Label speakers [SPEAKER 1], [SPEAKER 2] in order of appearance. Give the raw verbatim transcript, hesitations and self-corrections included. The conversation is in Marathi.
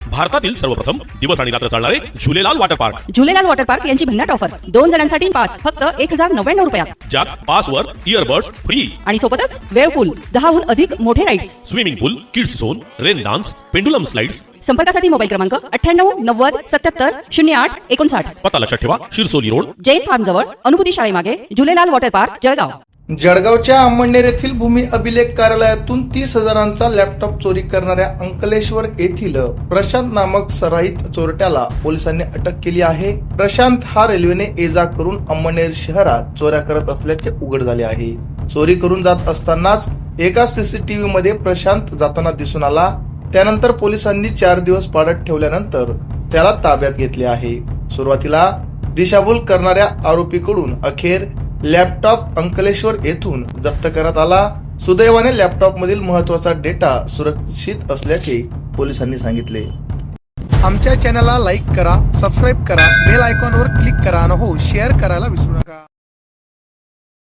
[SPEAKER 1] भारतातील सर्वप्रथम दिवस आणि रात्र चालणारे Jhulelal water park.
[SPEAKER 2] Jhulelal water park यांची भन्नाट ऑफर. दोन जणांसाठी पास फक्त एक हजार नव्याण्णव रुपयात.
[SPEAKER 1] ज्यात पासवर इयरबड्स फ्री
[SPEAKER 2] आणि सोबतच वेव्ह पूल, दहाहून अधिक मोठे rides,
[SPEAKER 1] swimming pool, kids zone, rain dance, pendulum slides.
[SPEAKER 2] संपर्कासाठी मोबाईल क्रमांक अठ्ठ्याण्णव नव्वद सत्याहत्तर शून्य आठ एकोणसाठ.
[SPEAKER 1] पत्ता लक्षात ठेवा, शिरसोली रोड,
[SPEAKER 2] जैन फार्म जवळ, अनुभूती शाळेमागे, झुलेलाल वॉटर पार्क, जळगाव.
[SPEAKER 3] जळगावच्या अंमळनेर येथील भूमी अभिलेख कार्यालयातून तीस हजारांचा लॅपटॉप चोरी करणाऱ्या अंकलेश्वर येथील प्रशांत नामक सराईत चोरट्याला पोलिसांनी अटक केली आहे. प्रशांत हा रेल्वेने ये जा करून अंमळनेर शहरात चोऱ्या करत असल्याचे उघड झाले आहे. चोरी करून जात असतानाच एका सीसीटीव्ही मध्ये प्रशांत जाताना दिसून आला. त्यानंतर पोलिसांनी चार दिवस पाडत ठेवल्यानंतर त्याला ताब्यात घेतले आहे. सुरुवातीला दिशाभूल करणाऱ्या आरोपीकडून अखेर लॅपटॉप अंकलेश्वर येथून जप्त करण्यात आला. सुदैवाने लॅपटॉप मधील महत्वाचा डेटा सुरक्षित असल्याचे पोलिसांनी सांगितले.
[SPEAKER 4] आमच्या चॅनलला लाईक करा, सबस्क्राईब करा, बेल आयकॉनवर क्लिक करा आणि हो शेअर करायला विसरू नका.